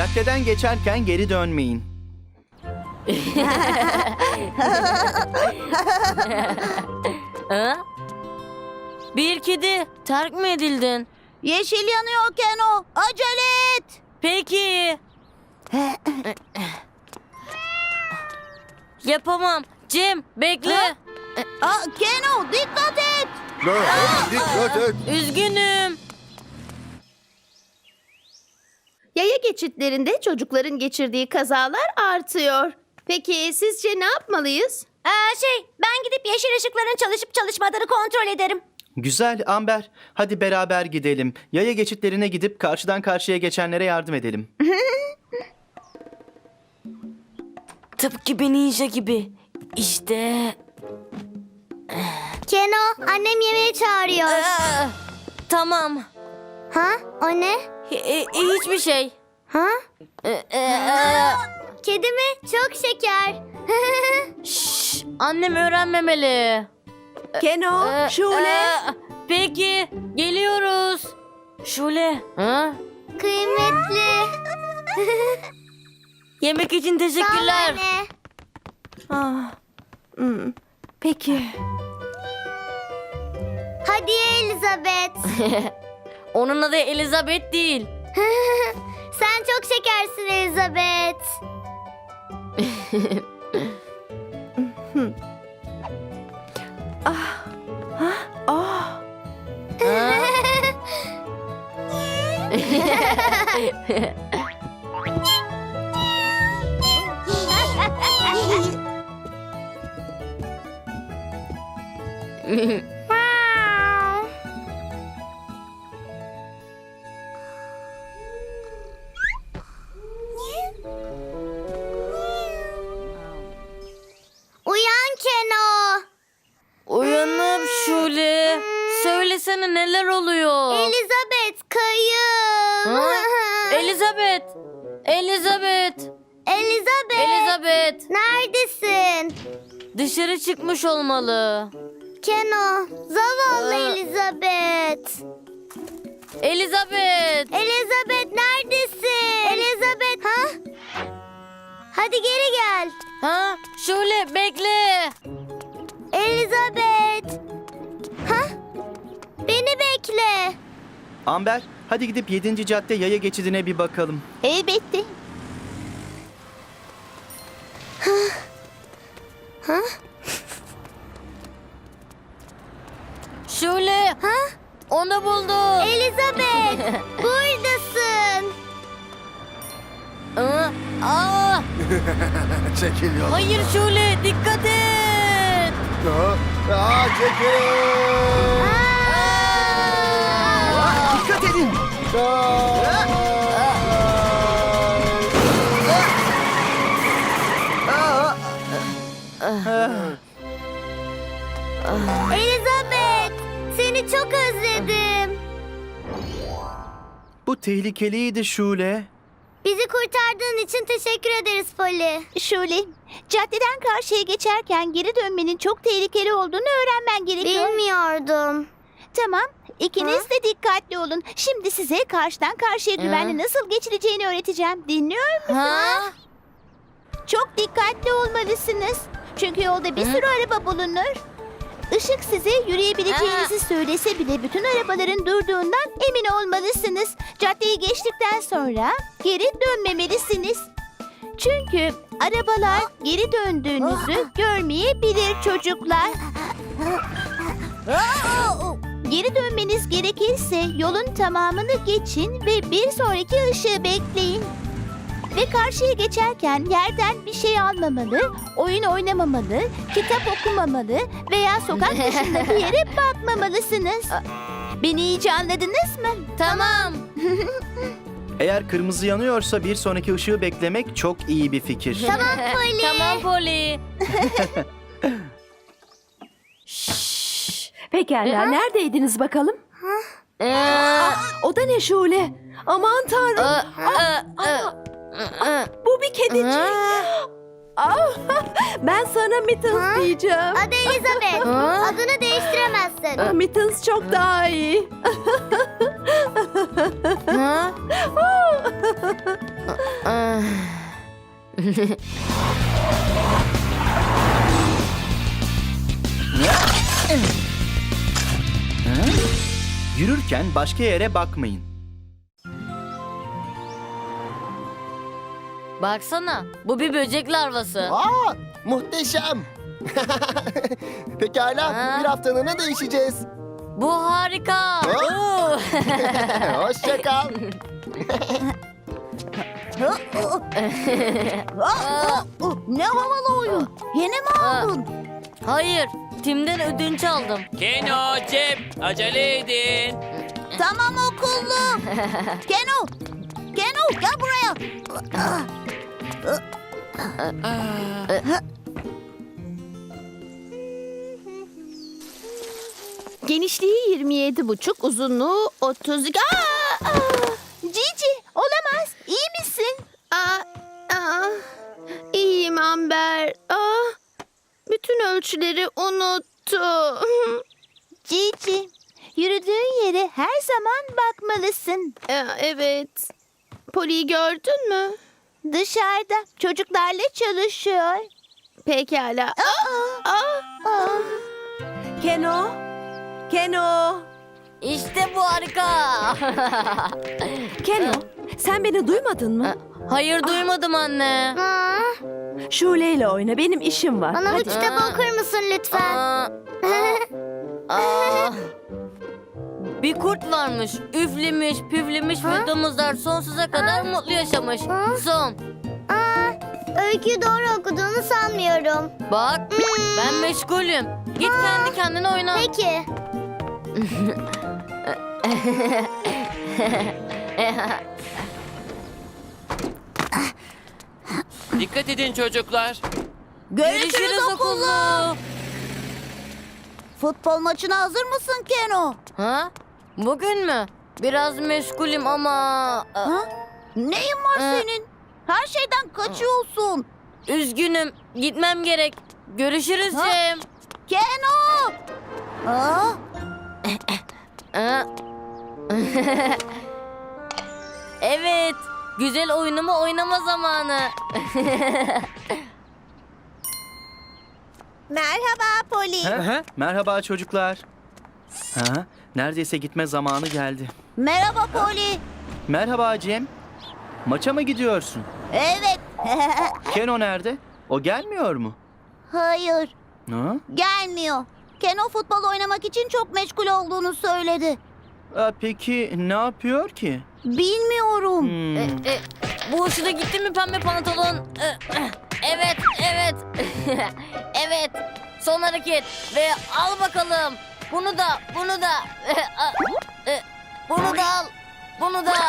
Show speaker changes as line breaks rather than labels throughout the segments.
Caddeden geçerken geri dönmeyin.
Ha? Bir kedi terk mi edildin?
Yeşil yanıyor Keno. Acele et.
Peki. Yapamam. Cem bekle.
Keno dikkat et.
Dikkat et.
Üzgünüm.
Yaya geçitlerinde çocukların geçirdiği kazalar artıyor. Peki sizce ne yapmalıyız?
Ben gidip yeşil ışıkların çalışıp çalışmadığını kontrol ederim.
Güzel Amber. Hadi beraber gidelim. Yaya geçitlerine gidip karşıdan karşıya geçenlere yardım edelim.
Tıpkı bir ninja gibi. İşte.
Keno annem yemeğe çağırıyor.
Tamam.
Ha? O ne?
Hiçbir şey.
Ha? Kedi mi? Çok şeker.
Şşş, annem öğrenmemeli.
Keno, Şule.
Peki, geliyoruz. Şule. Ha?
Kıymetli.
Yemek için teşekkürler.
Peki.
Hadi Elizabeth.
Onun adı Elizabeth değil.
Sen çok şekersin Elizabeth.
Ha?
Uyan Keno.
Uyanıp Şule. Söylesene neler oluyor?
Elizabeth kayıp.
Ha? Elizabeth. Elizabeth.
Elizabeth.
Elizabeth.
Neredesin?
Dışarı çıkmış olmalı.
Keno. Zavallı
Aa.
Elizabeth.
Elizabeth.
Elizabeth neredesin? Elizabeth. Ha? Hadi geri gel.
Ha? Şule bekle.
Elizabeth. Ha? Beni bekle.
Amber, hadi gidip 7. cadde yaya geçidine bir bakalım.
Elbette.
Şule.
Ha?
Onu buldum.
Elizabeth. Buradasın.
Aa,
Çekil yoldan.
hayır Şule dikkat et.
Çekil.
Dikkat edin.
Elizabeth. Seni çok özledim.
Bu tehlikeliydi Şule.
Bizi kurtardığın için teşekkür ederiz Polly.
Şule, caddeden karşıya geçerken geri dönmenin çok tehlikeli olduğunu öğrenmen gerekiyor.
Bilmiyordum.
Tamam, ikiniz de dikkatli olun. Şimdi size karşıdan karşıya güvenli nasıl geçileceğini öğreteceğim. Dinliyor musunuz?
Ha?
Çok dikkatli olmalısınız. Çünkü yolda bir sürü araba bulunur. Işık size yürüyebileceğinizi söylese bile bütün arabaların durduğundan emin olmalısınız. Caddeyi geçtikten sonra geri dönmemelisiniz. Çünkü arabalar geri döndüğünüzü görmeyebilir çocuklar. Geri dönmeniz gerekirse yolun tamamını geçin ve bir sonraki ışığı bekleyin. Ve karşıya geçerken yerden bir şey almamalı, oyun oynamamalı, kitap okumamalı veya sokak dışında bir yere bakmamalısınız. Beni iyice anladınız mı?
Tamam.
Eğer kırmızı yanıyorsa bir sonraki ışığı beklemek çok iyi bir fikir.
Tamam Polly.
Tamam Polly.
Pekala, neredeydiniz bakalım? O da ne Şule? Aman tanrım, bu bir kedicik. Ben sana Mittens diyeceğim.
Adı Elizabeth. Adını değiştiremezsin.
Mittens çok daha iyi.
Ha?
Yürürken başka yere bakmayın.
Baksana, bu bir böcek larvası.
Aa, muhteşem. Pekala,
Ha?
bir haftalığına değişeceğiz.
Bu harika. Oo.
Hoşça kal.
Ne havalı oyun. Yeni mi aldın?
Hayır, Tim'den ödünç aldım.
Keno, Cem, acele edin.
Tamam okullu. Keno. Keno gel buraya.
Genişliği 27,5, uzunluğu 32. Cici, olamaz. İyi misin?
İyiyim Amber. Bütün ölçüleri unuttum.
Cici, yürüdüğün yere her zaman bakmalısın.
Evet. Poli'yi gördün mü?
Dışarıda çocuklarla çalışıyor.
Pekala.
Keno. Keno.
İşte bu harika.
Keno. Sen beni duymadın mı?
Hayır duymadım anne.
Şule ile oyna. Benim işim var.
Bana bu
Hadi.
kitabı okur musun lütfen?
Aa. Bir kurt varmış, üflemiş, püflemiş ve domuzlar sonsuza kadar mutlu yaşamış. Son.
Öyküyü doğru okuduğunu sanmıyorum.
Bak, ben meşgulüm. Git kendi kendine oyna.
Peki.
Dikkat edin çocuklar.
Görüşürüz okullu.
Futbol maçına hazır mısın Keno?
Ha? Bugün mü? Biraz meşgulüm ama...
Ha? Neyin var senin? Her şeyden kaçıyorsun.
Üzgünüm, gitmem gerek. Görüşürüz
Ha?
Cem.
Keno! Aa,
Ha? Evet, güzel oyunumu oynama zamanı.
merhaba Poli.
Merhaba çocuklar. Neredeyse gitme zamanı geldi.
Merhaba Poli.
Merhaba Cem. Maça mı gidiyorsun?
Evet.
Keno nerede? O gelmiyor mu?
Hayır,
Ha?
gelmiyor. Keno futbol oynamak için çok meşgul olduğunu söyledi.
Peki ne yapıyor ki?
Bilmiyorum.
Bu hoşuna gitti mi pembe pantolon? Evet, evet. Evet. Son hareket ve al bakalım. Bunu da, bunu da. Bunu da al. Bunu da.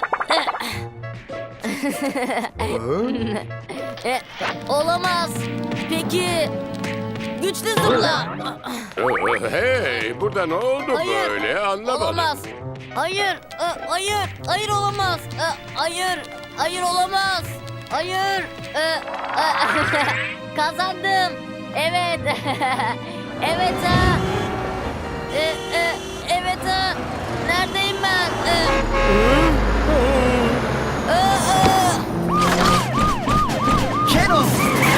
Olamaz. Peki. Güçlü zıpla.
Hey, burada ne oldu
Hayır.
böyle anlamadım.
Olamaz. Hayır, hayır, hayır olamaz. Hayır, hayır olamaz. Hayır. Kazandım. Evet. Evet ha. Evet ha. Neredeyim ben?
Keno!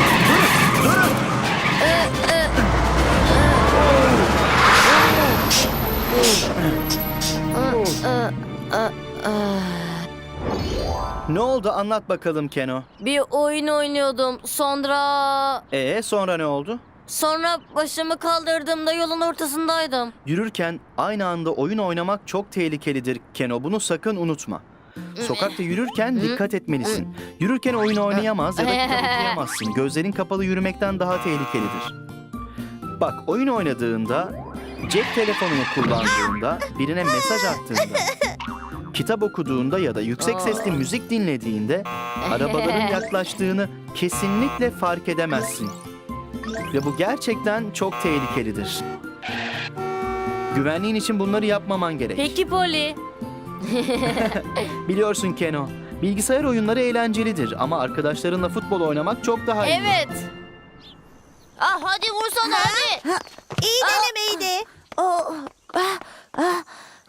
Ne oldu anlat bakalım Keno.
Bir oyun oynuyordum.
Sonra ne oldu?
Sonra başımı kaldırdığımda yolun ortasındaydım.
Yürürken aynı anda oyun oynamak çok tehlikelidir Keno. Bunu sakın unutma. Sokakta yürürken dikkat etmelisin. Yürürken oyun oynayamaz ya da kitap okuyamazsın. Gözlerin kapalı yürümekten daha tehlikelidir. Bak oyun oynadığında, cep telefonunu kullandığında, birine mesaj attığında, kitap okuduğunda ya da yüksek sesli müzik dinlediğinde arabaların yaklaştığını kesinlikle fark edemezsin. Ve bu gerçekten çok tehlikelidir. Güvenliğin için bunları yapmaman gerek.
Peki Poli.
Biliyorsun Keno, bilgisayar oyunları eğlencelidir ama arkadaşlarınla futbol oynamak çok daha iyi.
Evet.
Hadi vursana hadi. İyi denemeydi.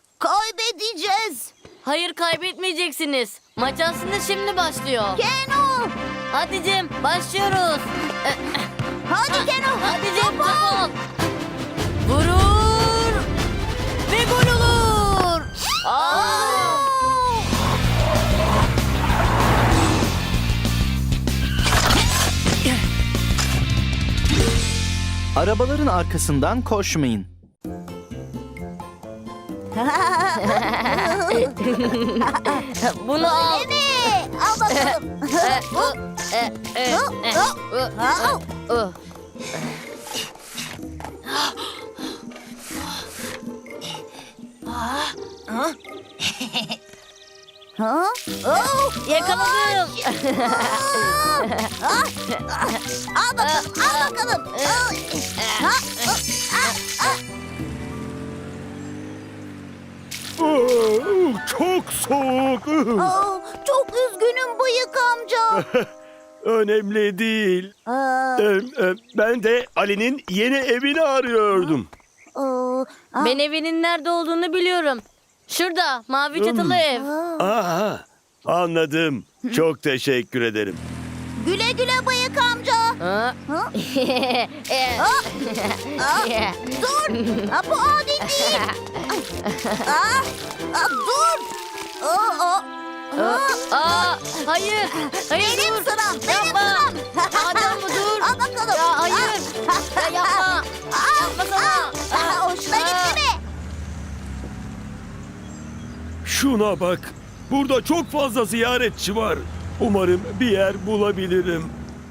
Kaybedeceğiz.
Hayır kaybetmeyeceksiniz. Maç aslında şimdi başlıyor.
Keno! Keno.
Hadi Cem başlıyoruz.
Hadi Keno.
Hadi Cem top ol. Vurur. Ve gol olur. Aa!
Arabaların arkasından koşmayın.
Bunu al.
Al bakalım. Ha? Oh,
Yakaladım.
al bakalım, al bakalım.
Çok soğuk.
Aa, çok üzgünüm bıyık amca.
Önemli değil.
Aa,
Ben de Ali'nin yeni evini arıyordum.
Ben evinin nerede olduğunu biliyorum. Şurada mavi çatılı ev.
Aha, anladım. Çok teşekkür ederim.
güle güle bıyık amca.
Ha?
Dur. Bu adil değil. Dur.
Hayır. Hayır
Benim
dur.
sıram. Benim
Yapma.
sıram.
Adam mı dur?
Al bakalım.
Ya hayır. Ya yapma. Yapmasana.
Hoşuna gitti mi?
Şuna bak. Burada çok fazla ziyaretçi var. Umarım bir yer bulabilirim.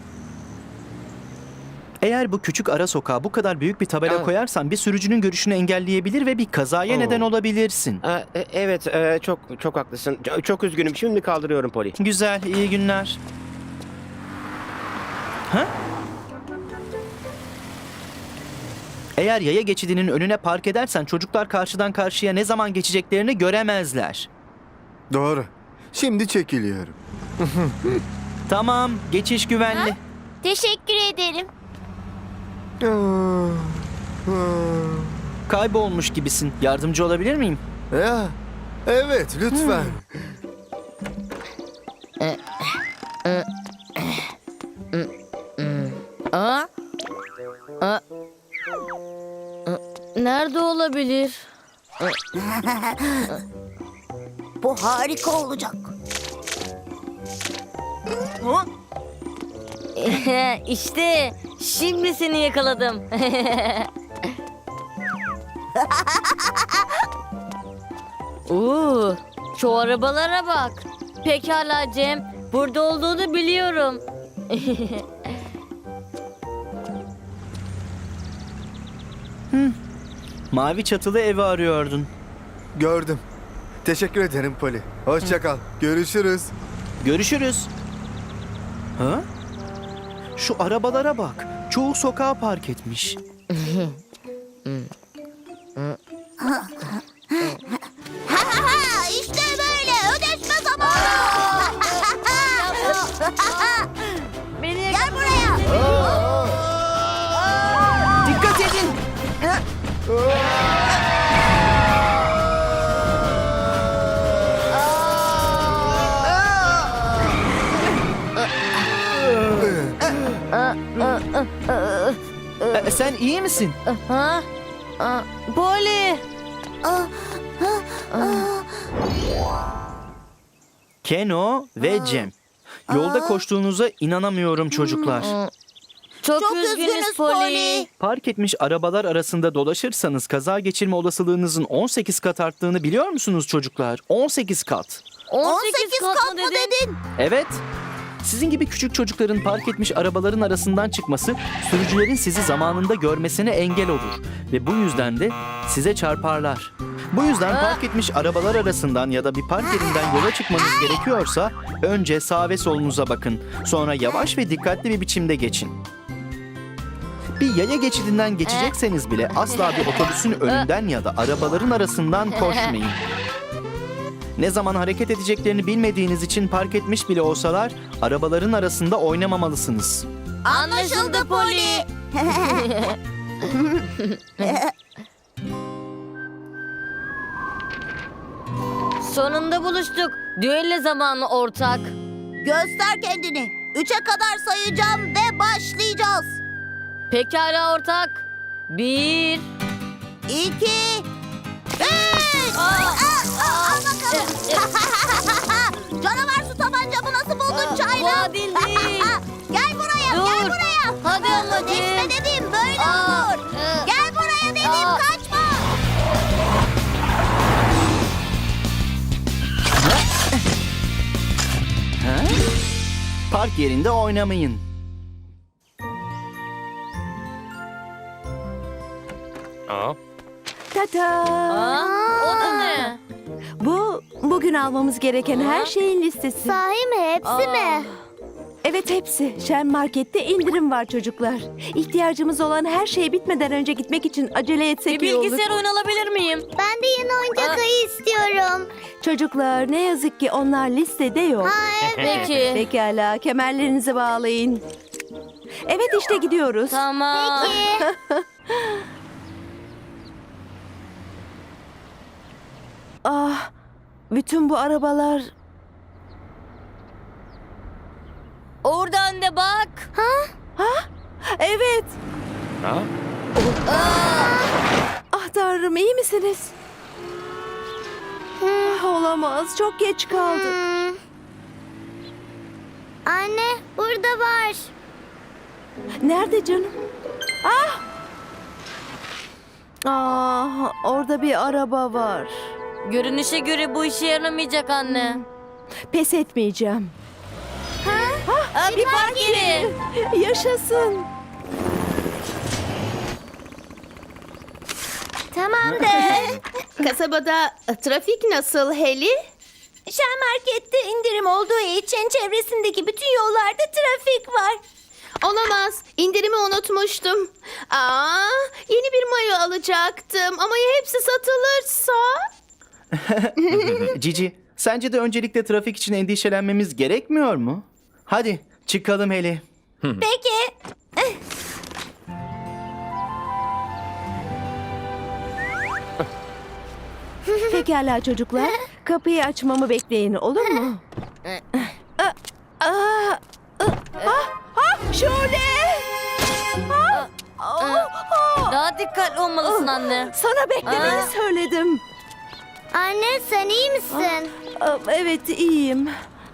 Eğer bu küçük ara sokağa bu kadar büyük bir tabela koyarsan bir sürücünün görüşünü engelleyebilir ve bir kazaya neden olabilirsin.
Evet, çok haklısın. Çok üzgünüm. Şimdi kaldırıyorum Poli.
Güzel, iyi günler. Ha? Eğer yaya geçidinin önüne park edersen çocuklar karşıdan karşıya ne zaman geçeceklerini göremezler.
Doğru. Şimdi çekiliyorum.
Tamam, geçiş güvenli.
Teşekkür ederim.
Kaybolmuş gibisin. Yardımcı olabilir miyim?
Ya, evet lütfen.
Nerede olabilir?
Bu harika olacak.
İşte şimdi seni yakaladım. Şu arabalara bak. Pekala Cem. Burada olduğunu biliyorum.
Mavi çatılı evi arıyordun.
Gördüm. Teşekkür ederim Poli. Hoşça kal. Görüşürüz.
Görüşürüz. Ha? Şu arabalara bak. Çoğu sokağa park etmiş.
İşte böyle ödeşme zamanı.
Beni
Gel buraya.
Dikkat edin. Sen iyi misin?
Ha? Poli.
Keno ve Cem. Yolda koştuğunuza inanamıyorum çocuklar.
Çok üzgünüz Poli.
Park etmiş arabalar arasında dolaşırsanız kaza geçirme olasılığınızın 18 kat arttığını biliyor musunuz çocuklar? 18 kat.
18 kat mı dedin?
Evet. Sizin gibi küçük çocukların park etmiş arabaların arasından çıkması sürücülerin sizi zamanında görmesine engel olur. Ve bu yüzden de size çarparlar. Bu yüzden park etmiş arabalar arasından ya da bir park yerinden yola çıkmanız gerekiyorsa önce sağ ve solunuza bakın. Sonra yavaş ve dikkatli bir biçimde geçin. Bir yaya geçidinden geçecekseniz bile asla bir otobüsün önünden ya da arabaların arasından koşmayın. Ne zaman hareket edeceklerini bilmediğiniz için park etmiş bile olsalar arabaların arasında oynamamalısınız.
Anlaşıldı Poli.
Sonunda buluştuk. Düello zamanı ortak.
Göster kendini. 3'e kadar sayacağım ve başlayacağız.
Pekala ortak. 1.
2, 3. Al bakalım. Canavar su tabancamı nasıl buldun Çayla?
Bu adil değil.
Gel buraya, gel
Dur.
buraya.
Hadi anneciğim.
Geçme dedim, böyle
Aa,
olur. Gel buraya dedim,
Aa.
kaçma.
Park yerinde oynamayın.
Aa,
Tata.
O da ne?
Bu bugün almamız gereken her şeyin listesi.
Sahi mi? Hepsi mi?
Evet hepsi. Şen Market'te indirim var çocuklar. İhtiyacımız olan her şey bitmeden önce gitmek için acele etsek
Bir
iyi olur.
bilgisayar oyun alabilir miyim?
Ben de yeni oyuncak ayı istiyorum.
Çocuklar ne yazık ki onlar listede yok.
Peki.
Pekala kemerlerinizi bağlayın. Evet işte gidiyoruz.
Tamam.
Ah, bütün bu arabalar...
Oradan da bak.
Evet.
ha?
Ah tanrım iyi misiniz? Ah, olamaz çok geç kaldık.
Anne, burada var.
Nerede canım? Ah! Ah, orada bir araba var.
Görünüşe göre bu işe yaramayacak anne.
Pes etmeyeceğim.
Bir park yeri.
Yaşasın.
Tamamdır.
Kasabada trafik nasıl Heli?
Şen Market'te indirim olduğu için çevresindeki bütün yollarda trafik var.
Olamaz. İndirimi unutmuştum. Yeni bir mayo alacaktım ama ya hepsi satılırsa?
Cici, sence de öncelikle trafik için endişelenmemiz gerekmiyor mu? Hadi çıkalım Heli.
Peki.
Pekala çocuklar. Kapıyı açmamı bekleyin olur mu? Şöyle.
Daha dikkatli olmalısın anne.
Sana beklemeni söyledim.
Anne sen iyi misin?
Evet iyiyim.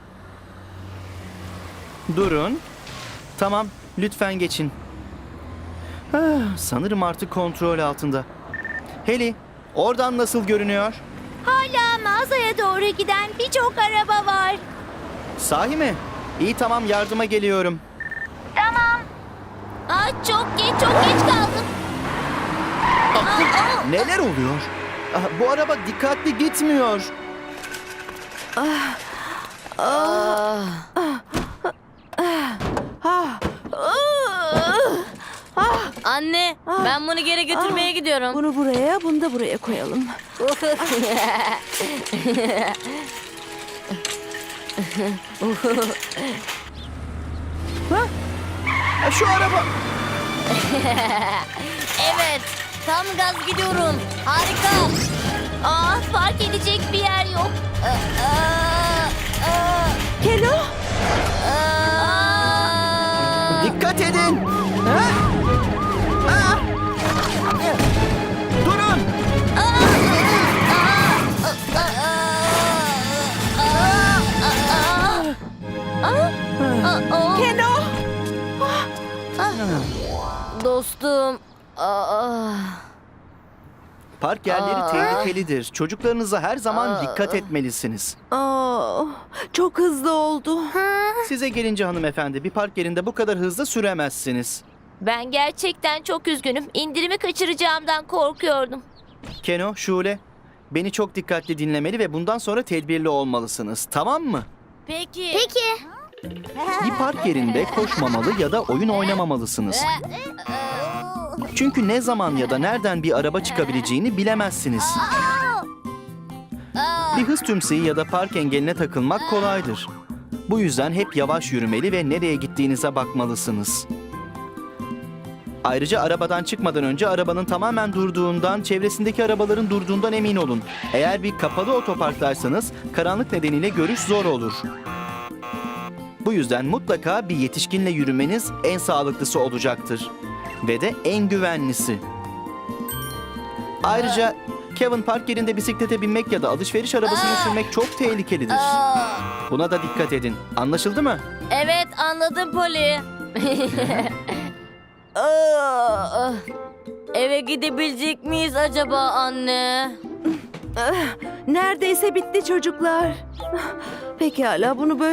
Durun. Tamam, lütfen geçin. Sanırım artık kontrol altında. Heli, oradan nasıl görünüyor?
Hala mağazaya doğru giden birçok araba var.
Sahi mi? İyi tamam, yardıma geliyorum.
Çok geç kaldım.
Neler oluyor? Bu araba dikkatli gitmiyor.
Anne, ben bunu geri götürmeye gidiyorum.
Bunu buraya, bunu da buraya koyalım.
Şu araba...
Evet, tam gaz gidiyorum. Harika.
Fark edecek bir yer yok.
Keno!
Dikkat edin. Ha? Durun.
Keno!
Dostum.
Park yerleri tehlikelidir. Çocuklarınıza her zaman dikkat etmelisiniz.
Çok hızlı oldu.
Size gelince hanımefendi, bir park yerinde bu kadar hızlı süremezsiniz.
Ben gerçekten çok üzgünüm. İndirimi kaçıracağımdan korkuyordum.
Keno, Şule, beni çok dikkatli dinlemeli ve bundan sonra tedbirli olmalısınız. Tamam mı?
Peki.
Bir park yerinde koşmamalı ya da oyun oynamamalısınız. Çünkü ne zaman ya da nereden bir araba çıkabileceğini bilemezsiniz. Bir hız tümseyi ya da park engeline takılmak kolaydır. Bu yüzden hep yavaş yürümeli ve nereye gittiğinize bakmalısınız. Ayrıca arabadan çıkmadan önce arabanın tamamen durduğundan, çevresindeki arabaların durduğundan emin olun. Eğer bir kapalı otoparktaysanız karanlık nedeniyle görüş zor olur. Bu yüzden mutlaka bir yetişkinle yürümeniz en sağlıklısı olacaktır. Ve de en güvenlisi. Ayrıca Kevin park yerinde bisiklete binmek ya da alışveriş arabasını sürmek çok tehlikelidir. Buna da dikkat edin. Anlaşıldı mı?
Evet, anladım Poli. Aa, eve gidebilecek miyiz acaba anne?
Neredeyse bitti çocuklar. Pekala bunu böyle